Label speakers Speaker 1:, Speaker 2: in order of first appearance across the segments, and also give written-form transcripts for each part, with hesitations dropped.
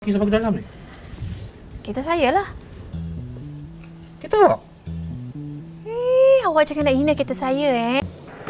Speaker 1: Sampai ke dalam ni?
Speaker 2: Kita saya lah.
Speaker 1: Kita awak?
Speaker 2: Awak jangan nak hina kita saya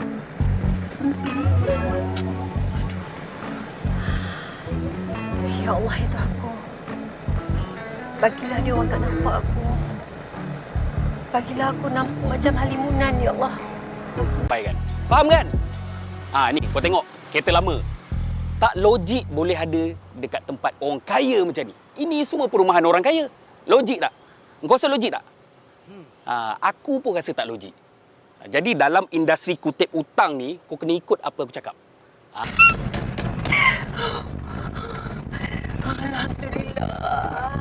Speaker 2: Ya Allah, itu aku. Bagilah dia orang tak nampak aku. Bagilah aku nampak macam halimunan, Ya Allah.
Speaker 3: Baik kan? Faham kan? Ni kau tengok kereta lama. Tak logik boleh ada dekat tempat orang kaya macam ni. Ini semua perumahan orang kaya. Logik tak? Kau rasa logik tak? Aku pun rasa tak logik. Jadi dalam industri kutip hutang ni, kau kena ikut apa aku cakap.
Speaker 2: Alhamdulillah.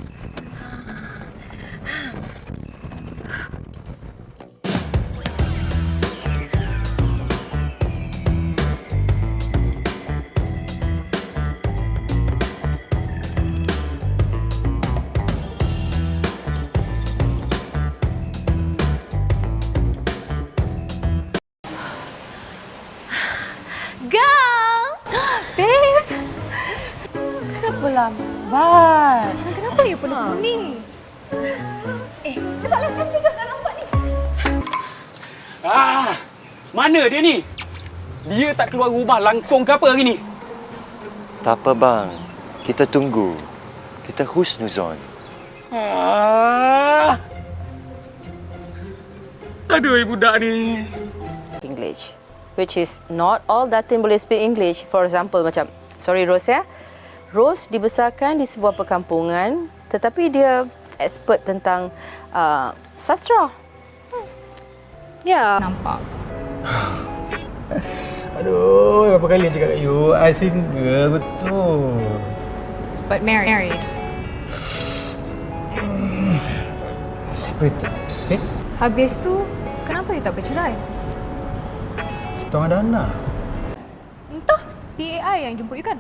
Speaker 2: Girls! Babe! Kenapa lambat? Kenapa you penuh ni? Cepatlah, jom, dah lambat ni.
Speaker 3: Mana dia ni? Dia tak keluar rumah langsung ke apa hari ni?
Speaker 4: Tak apa bang, kita tunggu. Kita husnuzon.
Speaker 3: Aduh, budak ni.
Speaker 5: English, which is not all Datin boleh speak English. For example, macam, sorry Rose ya, Rose dibesarkan di sebuah perkampungan, tetapi dia expert tentang sastra. Ya.
Speaker 2: Nampak.
Speaker 1: Aduh, berapa kali cakap kat you? I single, betul.
Speaker 2: But married.
Speaker 1: Separated.
Speaker 2: Habis tu, kenapa you tak bercerai?
Speaker 1: Kita orang ada anak.
Speaker 2: Entah, PAI yang jemput you kan?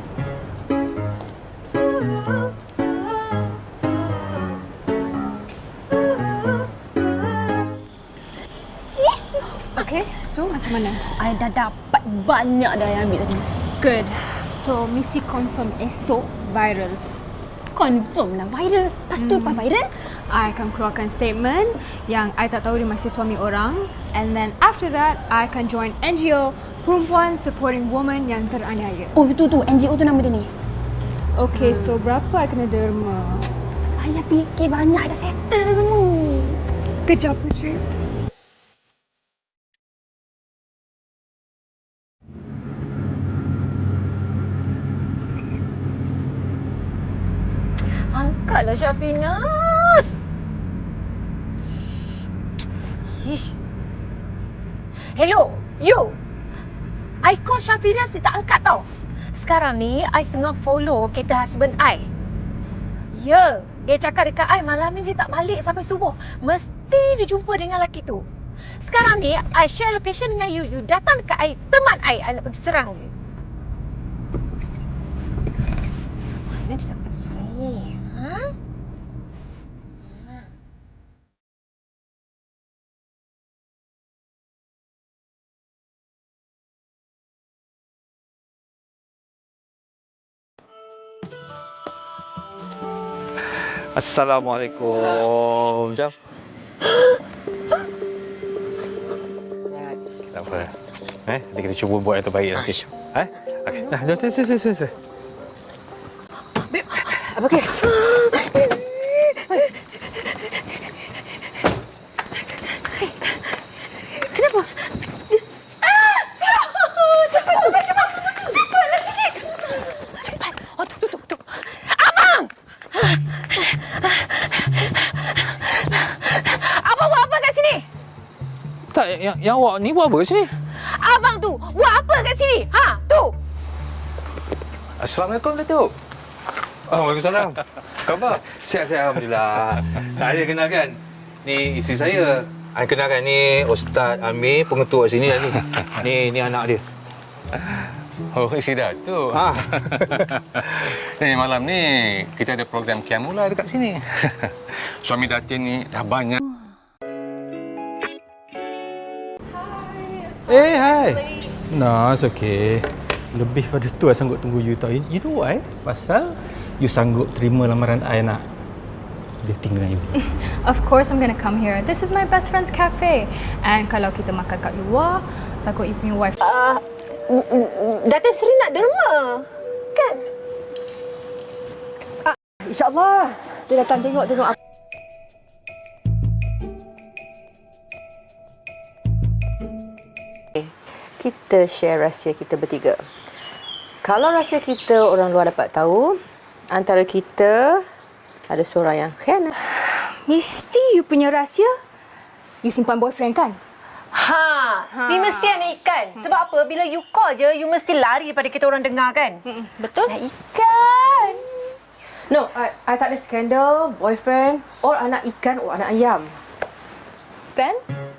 Speaker 2: Okay, so macam mana?
Speaker 6: I dah dapat banyak dah yang ambil tadi.
Speaker 2: Good. So, misi confirm esok viral.
Speaker 6: Confirm lah viral. Lepas tu lepas viral,
Speaker 2: I akan keluarkan statement yang I tak tahu dia masih suami orang. And then after that, I akan join NGO Perempuan Supporting Women yang teraniaya.
Speaker 6: oh itu tu NGO tu nama dia ni.
Speaker 2: Okay, so berapa I kena derma?
Speaker 6: Ayah fikir banyak dah settle dah semua.
Speaker 2: Kejap je.
Speaker 6: Angkatlah Syafinas. Ish. Hello, you. I call Syafinas, dia tak angkat tau. Sekarang ni, I tengah follow kereta husband I. Ya, dia cakap dekat I malam ni dia tak balik sampai subuh. Mesti dia jumpa dengan lelaki tu. Sekarang ni, I share location dengan you. You datang dekat I, teman I nak pergi serang dia. Mana dia nak pergi? Ha?
Speaker 7: Assalamualaikum. Jom. Tak apa. Nanti kita cuba buat yang terbaik nanti. Okey. Nah, jom sini.
Speaker 6: Apa kes? Kenapa? Cepatlah sikit. Cepat. Oh, tu. Abang! Abang buat apa kat sini?
Speaker 7: Tak, yang awak ni buat apa kat sini?
Speaker 6: Abang tu buat apa kat sini? Ha, tu.
Speaker 7: Assalamualaikum, Datuk. Waalaikumsalam. Khabar? Sihat, alhamdulillah. Tak ada kenalkan. Ni isteri saya. Kenalkan, ni Ustaz Amir, pengetua sini dah ni. Ni anak dia.
Speaker 8: Oh, si Datuk. Malam ni kita ada program Qiyamullah dekat sini. Suami Datin ni dah banyak.
Speaker 1: Hai. No, it's okay. Lebih pada tu I sanggup tunggu you tau. You know why? Pasal you sanggup terima lamaran I nak dating dengan you?
Speaker 2: Of course I'm gonna come here. This is my best friend's cafe. And kalau kita makan kat luar, takut you punya wife...
Speaker 6: Datin Seri nak derma. Kan? InsyaAllah. Dia datang tengok apa.
Speaker 5: Kita share rahsia kita bertiga. Kalau rahsia kita orang luar dapat tahu, antara kita ada seorang yang khianat.
Speaker 2: Mesti you punya rahsia, you simpan boyfriend kan?
Speaker 6: Ni mesti nak ikan. Sebab apa? Bila you call je, you mesti lari daripada kita orang dengar kan?
Speaker 2: Betul?
Speaker 6: Nak ikan.
Speaker 5: No, I tak ada skandal, boyfriend, or anak ikan, or anak ayam.
Speaker 2: Then?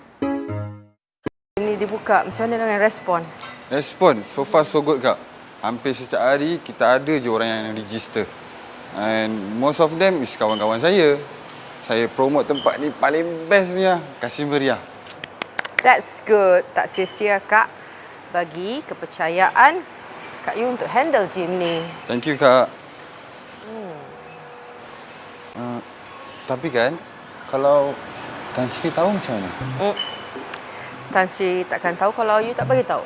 Speaker 5: Ini dibuka, macam mana dengan respon?
Speaker 9: Respon, so far so good kak. Hampir setiap hari kita ada je orang yang register. And most of them is kawan-kawan saya. Saya promote tempat ni paling best punya. Kasih meriah.
Speaker 5: That's good. Tak sia-sia Kak bagi kepercayaan Kak Yu untuk handle gym ni.
Speaker 9: Thank you kak. Tapi kan, kalau Tan Sri tahu macam mana?
Speaker 5: Tan Sri takkan tahu kalau you tak bagi tahu.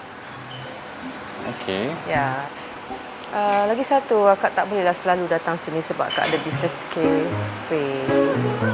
Speaker 9: Okey.
Speaker 5: Ya. Lagi satu, Akak tak bolehlah selalu datang sini sebab Akak ada business cafe.